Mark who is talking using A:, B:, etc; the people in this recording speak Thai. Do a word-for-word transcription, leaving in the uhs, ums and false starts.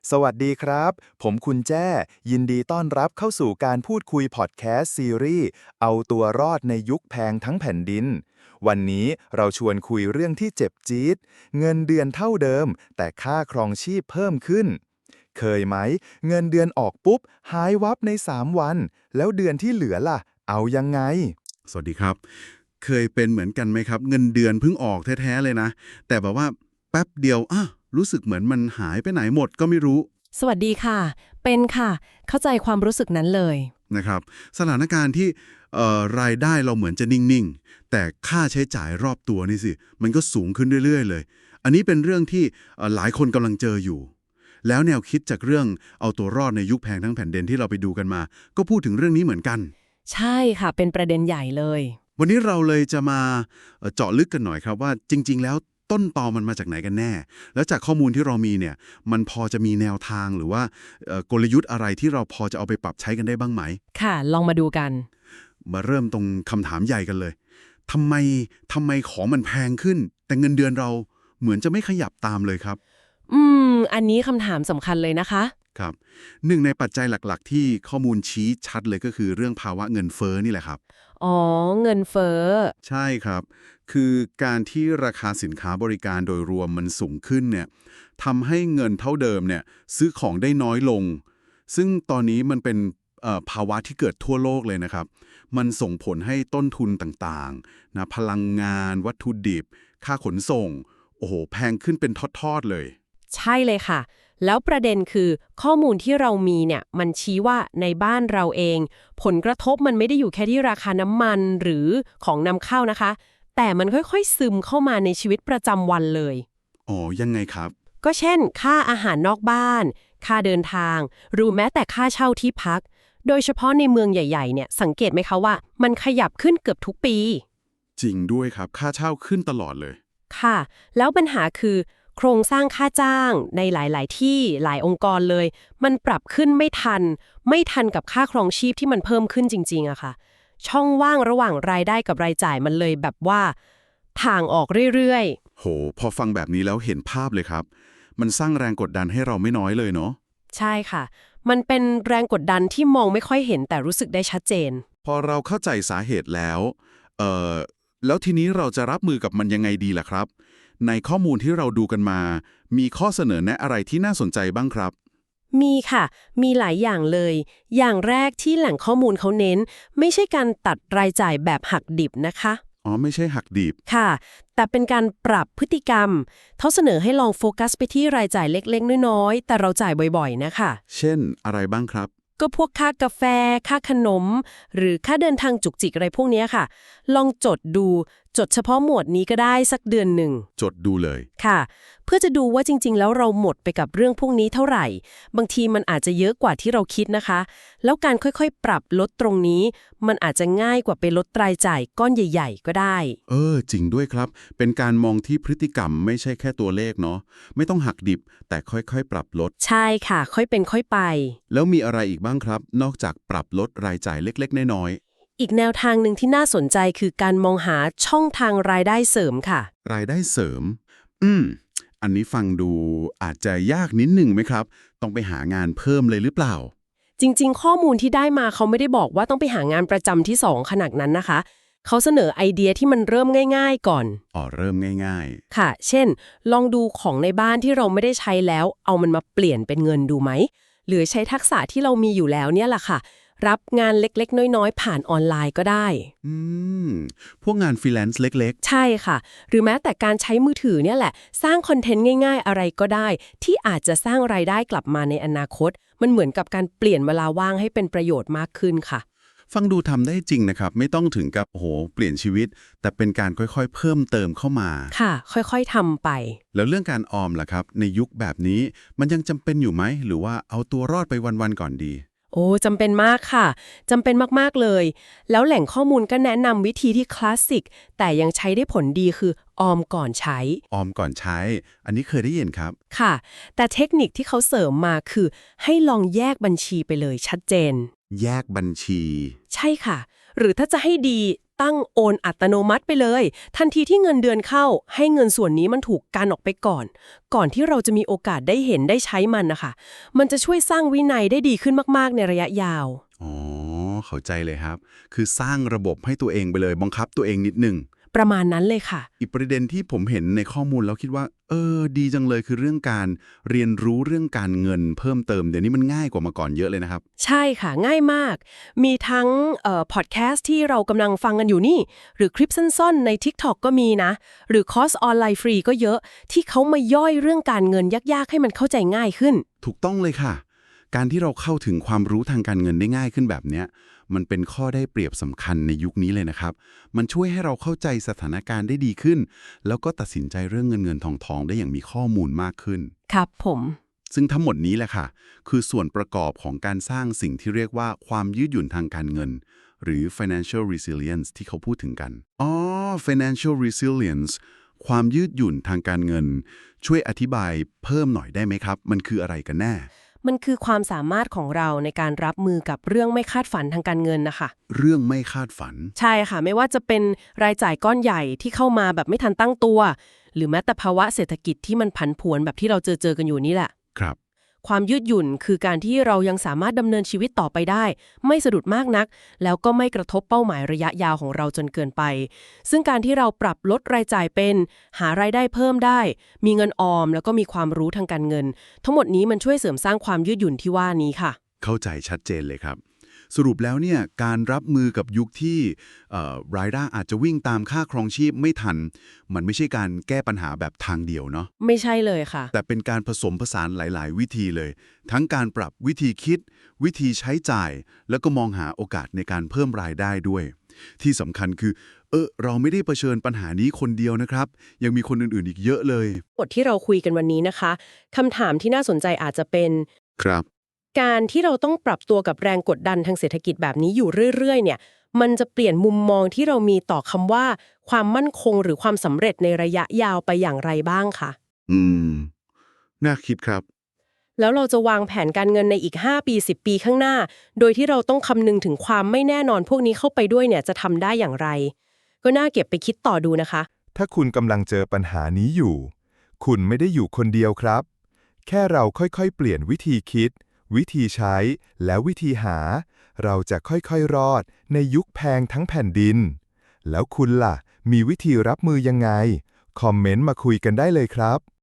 A: สวัสดีครับ ผมคุณแจ้ยินดีต้อนรับเข้าสู่การพูดคุยพอดแคสต์ซีรีส์เอาตัวรอดในยุคแพงทั้งแผ่นดิน วันนี้เราชวนคุยเรื่องที่เจ็บจี๊ดเงินเดือนเท่าเดิม แต่ค่าครองชีพเพิ่มขึ้น เคยไหม เงินเดือนออกปุ๊บ หายวับในสามวัน แล้วเดือนที่เหลือล่ะ เอายังไง
B: สวัสดีครับ เคยเป็นเหมือนกันไหมครับ เงินเดือนเพิ่งออกแท้ๆเลยนะ แต่แบบว่าแป๊บเดียวอ่ะรู้สึกเหมือนมันหายไปไหนหมดก็ไม่รู้
C: สวัสดีค่ะ เป็นค่ะ เข้าใจความรู้สึกนั้นเลย
B: นะครับ สถานการณ์ที่เอ่อรายได้เราเหมือนจะนิ่งๆ แต่ค่าใช้จ่ายรอบตัวนี่สิ มันก็สูงขึ้นเรื่อยๆเลย อันนี้เป็นเรื่องที่เอ่อหลายคนกำลังเจออยู่ แล้วแนวคิดจากเรื่องเอาตัวรอดในยุคแพงทั้งแผ่นดินที่เราไปดูกันมา ก็พูดถึงเรื่องนี้เหมือนกัน
C: ใช่ค่ะ เป็นประเด็นใหญ่เลย
B: วันนี้เราเลยจะมาเอ่อเจาะลึกกันหน่อยครับว่าจริง ๆ แล้วต้นตอมันมาจากไหนกันแน่ แล้วจากข้อมูลที่เรามีเนี่ยมันพอจะมีแนวทางหรือว่าเอ่อกลยุทธ์อะไรที่เราพอจะเอาไปปรับใช้กันได้บ้างไหม
C: ค่ะ ลองมาดูกัน
B: มาเริ่มตรงคำถามใหญ่กันเลยทำไมทำไมของมันแพงขึ้น แต่เงินเดือนเราเหมือนจะไม่ขยับตามเลยครับ
C: อืม อันนี้คำถามสำคัญเลยนะคะ
B: ครับหนึ่งในปัจจัยหลักๆ ที่ข้อมูลชี้ชัดเลยก็คือเรื่องภาวะเงินเฟ้อนี่แหละครับ
C: อ๋อ เงินเฟ้อ
B: ใช่ครับ คือการที่ราคาสินค้าบริการโดยรวมมันสูงขึ้นเนี่ยทำให้เงินเท่าเดิมเนี่ยซื้อของได้น้อยลง ซึ่งตอนนี้มันเป็นเอ่อภาวะที่เกิดทั่วโลกเลยนะครับ มันส่งผลให้ต้นทุนต่างๆนะพลังงาน วัตถุดิบ ค่าขนส่ง โอ้โห แพงขึ้นเป็นทอดๆเลย
C: ใช่เลยค่ะ แล้วประเด็นคือข้อมูลที่เรามีเนี่ย มันชี้ว่าในบ้านเราเอง ผลกระทบมันไม่ได้อยู่แค่ที่ราคาน้ำมันหรือของนำเข้านะคะ แต่มันค่อยๆซึมเข้ามาในชีวิตประจำวันเลย
B: อ๋อ ยังไงครับ
C: ก็เช่น ค่าอาหารนอกบ้าน ค่าเดินทาง หรือแม้แต่ค่าเช่าที่พัก โดยเฉพาะในเมืองใหญ่ๆ เนี่ย สังเกตไหมคะว่ามันขยับขึ้นเกือบทุกปี
B: จริงด้วยครับ ค่าเช่าขึ้นตลอดเลย
C: ค่ะ แล้วปัญหาคือ โครงสร้างค่าจ้างในหลายๆ ที่หลายองค์กรเลย มันปรับขึ้นไม่ทัน ไม่ทันกับค่าครองชีพที่มันเพิ่มขึ้นจริงๆอะค่ะ ช่องว่างระหว่างรายได้กับรายจ่ายมันเลยแบบว่าทางออกเรื่อยๆ
B: โห พอฟังแบบนี้แล้วเห็นภาพเลยครับ มันสร้างแรงกดดันให้เราไม่น้อยเลยเนาะ
C: ใช่ค่ะ มันเป็นแรงกดดันที่มองไม่ค่อยเห็นแต่รู้สึกได้ชัดเจน
B: พอเราเข้าใจสาเหตุแล้ว เอ่อ แล้วทีนี้เราจะรับมือกับมันยังไงดีล่ะครับ ในข้อมูลที่เราดูกันมา มีข้อเสนอแนะอะไรที่น่าสนใจบ้างครับ
C: มีค่ะ มีหลายอย่างเลย อย่างแรกที่แหล่งข้อมูลเขาเน้น ไม่ใช่การตัดรายจ่ายแบบหักดิบนะคะ
B: อ๋อ ไม่ใช่หักดิบ
C: ค่ะ แต่เป็นการปรับพฤติกรรม เขาเสนอให้ลองโฟกัสไปที่รายจ่ายเล็กๆ น้อยๆ แต่เราจ่ายบ่อยๆ นะคะ
B: เช่นอะไรบ้างครับ
C: ก็พวกค่ากาแฟ ค่าขนม หรือค่าเดินทางจุกจิกอะไรพวกเนี้ยค่ะ ลองจดดู จดเฉพาะหมวดนี้ก็ได้สักเดือนหนึ่ง
B: จดดูเลย
C: ค่ะ เพื่อจะดูว่าจริงๆ แล้วเราหมดไปกับเรื่องพวกนี้เท่าไหร่ บางทีมันอาจจะเยอะกว่าที่เราคิดนะคะ แล้วการค่อยๆ ปรับลดตรงนี้ มันอาจจะง่ายกว่าไปลดรายจ่ายก้อนใหญ่ๆ ก็ได้
B: เออ จริงด้วยครับ เป็นการมองที่พฤติกรรมไม่ใช่แค่ตัวเลขเนาะ ไม่ต้องหักดิบ แต่ค่อยๆ ปรับลด
C: ใช่ค่ะ ค่อยเป็นค่อยไป
B: แล้วมีอะไรอีกบ้างครับ นอกจากปรับลดรายจ่ายเล็กๆ น้อย
C: อีกแนวทางหนึ่งที่น่าสนใจคือการมองหาช่องทางรายได้เสริมค่ะ
B: ๆ รายได้เสริม อืม อันนี้ฟังดูอาจจะยากนิดหนึ่งไหมครับ ต้องไปหางานเพิ่มเลยหรือเปล่า
C: จริงๆ ข้อมูลที่ได้มาเขาไม่ได้บอกว่าต้องไปหางานประจำที่สองขนาดนั้นนะคะ เขาเสนอไอเดียที่มันเริ่มง่ายๆ ก่อน
B: อ๋อ เริ่มง่าย
C: ค่ะ เช่น ลองดูของในบ้านที่เราไม่ได้ใช้แล้ว เอามันมาเปลี่ยนเป็นเงินดูไหม หรือใช้ทักษะที่เรามีอยู่แล้วเนี่ยแหละค่ะ รับงานเล็กๆ น้อยๆ ผ่านออนไลน์ก็ได้
B: ๆ อืม พวกงานฟรีแลนซ์เล็ก
C: ใช่ค่ะ หรือแม้แต่การใช้มือถือเนี่ยแหละ สร้างคอนเทนต์ง่ายๆ อะไรก็ได้ ที่อาจจะสร้างรายได้กลับมาในอนาคต มันเหมือนกับการเปลี่ยนเวลาว่างให้เป็นประโยชน์มากขึ้นค่ะ
B: ๆ ฟังดูทำได้จริงนะครับ ไม่ต้องถึงกับโอ้โห เปลี่ยนชีวิต แต่เป็นการค่อยๆ เพิ่มเติมเข้ามา
C: ค่ะ ค่อยๆทำไป
B: แล้วเรื่องการออมล่ะครับ ในยุคแบบนี้มันยังจำเป็นอยู่ไหม หรือว่าเอาตัวรอดไปวันๆ ก่อนดี
C: โอ้จำเป็นมากค่ะจำเป็นมากๆเลย แล้วแหล่งข้อมูลก็แนะนำวิธีที่คลาสสิกแต่ยังใช้ได้ผลดีคือออมก่อนใช้
B: ออมก่อนใช้ อันนี้เคยได้ยินครับ
C: ค่ะ แต่เทคนิคที่เขาเสริมมาคือให้ลองแยกบัญชีไปเลยชัดเจน
B: แยกบัญชี
C: ใช่ค่ะ หรือถ้าจะให้ดีตั้งโอนอัตโนมัติไปเลย ทันทีที่เงินเดือนเข้าให้เงินส่วนนี้มันถูกกันออกไปก่อน ก่อนที่เราจะมีโอกาสได้เห็นได้ใช้มันนะคะมันจะช่วยสร้างวินัยได้ดีขึ้นมากๆในระยะยาว
B: อ๋อเข้าใจเลยครับ คือสร้างระบบให้ตัวเองไปเลยบังคับตัวเองนิดนึง
C: ประมาณนั้นเลยค่ะ
B: อีกประเด็นที่ผมเห็นในข้อมูลแล้วคิดว่า เออ ดีจังเลยคือเรื่องการเรียนรู้เรื่องการเงินเพิ่มเติมเดี๋ยวนี้มันง่ายกว่ามาก่อนเยอะเลยนะครับ
C: ใช่ค่ะง่ายมาก มีทั้งเอ่อพอดแคสต์ที่เรากำลังฟังกันอยู่นี่ หรือคลิปสั้นๆใน TikTok ก็มีนะ หรือคอร์สออนไลน์ฟรีก็เยอะที่เขามาย่อยเรื่องการเงินยากๆให้มันเข้าใจง่ายขึ้น
B: ถูกต้องเลยค่ะ การที่เราเข้าถึงความรู้ทางการเงินได้ง่ายขึ้นแบบเนี้ยมันเป็นข้อได้เปรียบสำคัญในยุคนี้เลยนะครับ มันช่วยให้เราเข้าใจสถานการณ์ได้ดีขึ้น แล้วก็ตัดสินใจเรื่องเงินเงินทองทองได้อย่างมีข้อมูลมากขึ้น
C: ครับผม
B: ซึ่งทั้งหมดนี้แหละค่ะ คือส่วนประกอบของการสร้างสิ่งที่เรียกว่าความยืดหยุ่นทางการเงิน หรือ financial resilience ที่เขาพูดถึงกัน อ๋อ financial resilience ความยืดหยุ่นทางการเงิน ช่วยอธิบายเพิ่มหน่อยได้ไหมครับ มันคืออะไรกันแน่
C: มันคือความสามารถของเราในการรับมือกับเรื่องไม่คาดฝันทางการเงินนะคะ
B: เรื่องไม่คาดฝัน
C: ใช่ค่ะไม่ว่าจะเป็นรายจ่ายก้อนใหญ่ที่เข้ามาแบบไม่ทันตั้งตัว หรือแม้แต่ภาวะเศรษฐกิจที่มันผันผวนแบบที่เราเจอเจอกันอยู่นี่แหละ
B: ครับ
C: ความยืดหยุ่นคือการที่เรายังสามารถดำเนินชีวิตต่อไปได้ ไม่สะดุดมากนัก แล้วก็ไม่กระทบเป้าหมายระยะยาวของเราจนเกินไป ซึ่งการที่เราปรับลดรายจ่ายเป็น หารายได้เพิ่มได้ มีเงินออมแล้วก็มีความรู้ทางการเงิน ทั้งหมดนี้มันช่วยเสริมสร้างความยืดหยุ่นที่ว่านี้ค่ะ
B: เข้าใจชัดเจนเลยครับ สรุปแล้วเนี่ยการรับมือกับยุคที่เอ่อรายได้อาจจะวิ่งตามค่าครองชีพไม่ทัน มันไม่ใช่การแก้ปัญหาแบบทางเดียวเนาะ
C: ไม่ใช่เลยค่ะ
B: แต่เป็นการผสมผสานหลาย ๆ วิธีเลย ทั้งการปรับวิธีคิด วิธีใช้จ่าย แล้วก็มองหาโอกาสในการเพิ่มรายได้ด้วย ที่สำคัญคือ เออเราไม่ได้เผชิญปัญหานี้คนเดียวนะครับ ยังมีคนอื่น ๆ อีกเยอะเลย
C: บทที่เราคุยกันวันนี้นะคะคำถามที่น่าสนใจอาจจะเป็น
B: ครับ
C: การที่เราต้องปรับตัวกับแรงกดดันทางเศรษฐกิจแบบนี้อยู่เรื่อยๆเนี่ยมันจะเปลี่ยนมุมมองที่เรามีต่อคำว่า ความมั่นคงหรือความสำเร็จในระยะยาวไปอย่างไรบ้างคะ
B: อืม น่าคิดครับ
C: แล้วเราจะวางแผนการเงินในอีกห้าปีสิบปีข้างหน้า โดยที่เราต้องคำนึงถึงความไม่แน่นอนพวกนี้เข้าไปด้วยเนี่ยจะทำได้อย่างไร ก็น่าเก็บไปคิดต่อดูนะคะ
A: ถ้าคุณกำลังเจอปัญหานี้อยู่ คุณไม่ได้อยู่คนเดียวครับ แค่เราค่อยๆ เปลี่ยนวิธีคิด วิธีใช้ และวิธีหา เราจะค่อยๆ รอดในยุคแพงทั้งแผ่นดิน แล้วคุณล่ะ มีวิธีรับมือยังไง คอมเมนต์มาคุยกันได้เลยครับ